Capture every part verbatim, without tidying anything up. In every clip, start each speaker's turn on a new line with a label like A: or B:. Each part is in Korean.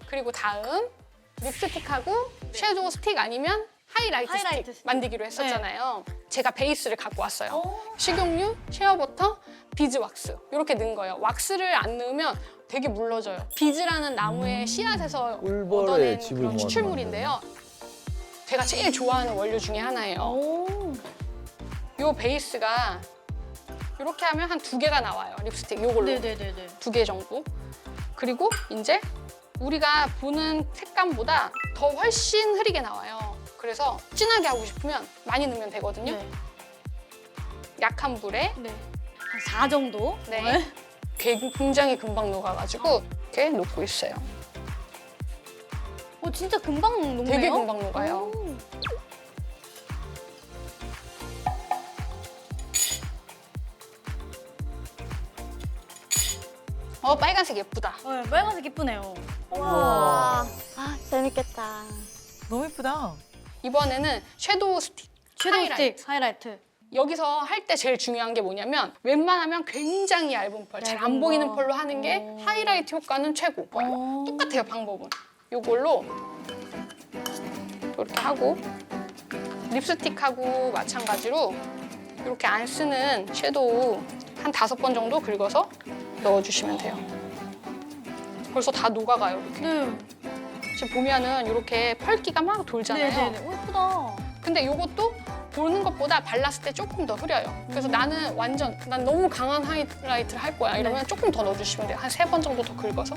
A: 그리고 다음 립스틱하고 섀도우 스틱 아니면 하이라이트,
B: 하이라이트
A: 스틱,
B: 스틱.
A: 만들기로 했었잖아요. 제가 베이스를 갖고 왔어요.
B: 오.
A: 식용유, 쉐어버터, 비즈왁스 이렇게 넣은 거예요. 왁스를 안 넣으면 되게 물러져요. 비즈라는 나무의 씨앗에서
C: 꿀벌의
A: 얻어낸
C: 집을
A: 그런
C: 모아서
A: 추출물인데요. 제가 제일 좋아하는 원료 중에 하나예요.
B: 오.
A: 이 베이스가 이렇게 하면 한 두 개가 나와요. 립스틱 이걸로
B: 네네네네.
A: 두 개 정도. 그리고 이제 우리가 보는 색감보다 더 훨씬 흐리게 나와요. 그래서 진하게 하고 싶으면 많이 넣으면 되거든요.
B: 네.
A: 약한 불에
B: 네. 한 사 정도?
A: 네. 굉장히 금방 녹아가지고 이렇게 놓고 있어요.
B: 어, 진짜 금방 녹네요?
A: 되게 금방 녹아요.
B: 오.
A: 어, 빨간색 예쁘다.
B: 네, 빨간색 이쁘네요.
D: 와, 아 재밌겠다.
E: 너무 예쁘다.
A: 이번에는 섀도우 스틱.
B: 섀도우
A: 하이라이트.
B: 스틱, 하이라이트.
A: 여기서 할 때 제일 중요한 게 뭐냐면 웬만하면 굉장히 얇은 펄, 잘 안
B: 얇은
A: 보이는
B: 거.
A: 펄로 하는 게
B: 어.
A: 하이라이트 효과는 최고.
B: 어.
A: 똑같아요, 방법은. 이걸로 이렇게 하고 립스틱하고 마찬가지로 이렇게 안 쓰는 섀도우 한 다섯 번 정도 긁어서 넣어주시면 돼요. 벌써 다 녹아가요, 이렇게.
B: 네.
A: 지금 보면은 이렇게 펄기가 막 돌잖아요.
B: 네네네. 오, 예쁘다.
A: 근데 이것도 보는 것보다 발랐을 때 조금 더 흐려요. 그래서 나는 완전 난 너무 강한 하이라이트를 할 거야. 이러면
B: 네.
A: 조금 더 넣어주시면 돼요. 한 세 번 정도 더 긁어서.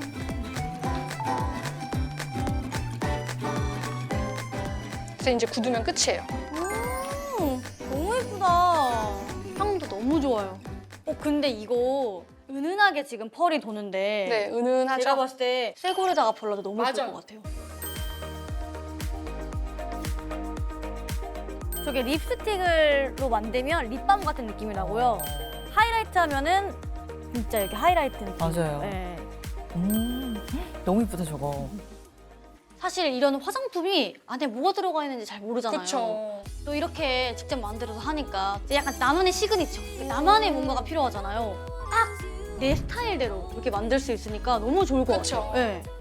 A: 그래서 이제 굳으면 끝이에요.
B: 오, 너무 예쁘다. 향도 너무 좋아요. 어, 근데 이거 은은하게 지금 펄이 도는데
A: 네, 은은하죠.
B: 제가 봤을 때 쇠고리에다가 발라도 너무 예쁠
A: 맞아요.
B: 것 같아요. 저게 립스틱으로 만들면 립밤 같은 느낌이 나고요. 하이라이트 하면은 진짜 이렇게 하이라이트 느낌.
E: 맞아요.
B: 네.
E: 음, 너무 예쁘다 저거.
B: 사실 이런 화장품이 안에 뭐가 들어가 있는지 잘 모르잖아요.
A: 그렇죠.
B: 또 이렇게 직접 만들어서 하니까 약간 나만의 시그니처, 나만의 뭔가가 필요하잖아요. 딱 내 스타일대로 이렇게 만들 수 있으니까 너무 좋을 것
A: 그쵸.
B: 같아요. 네.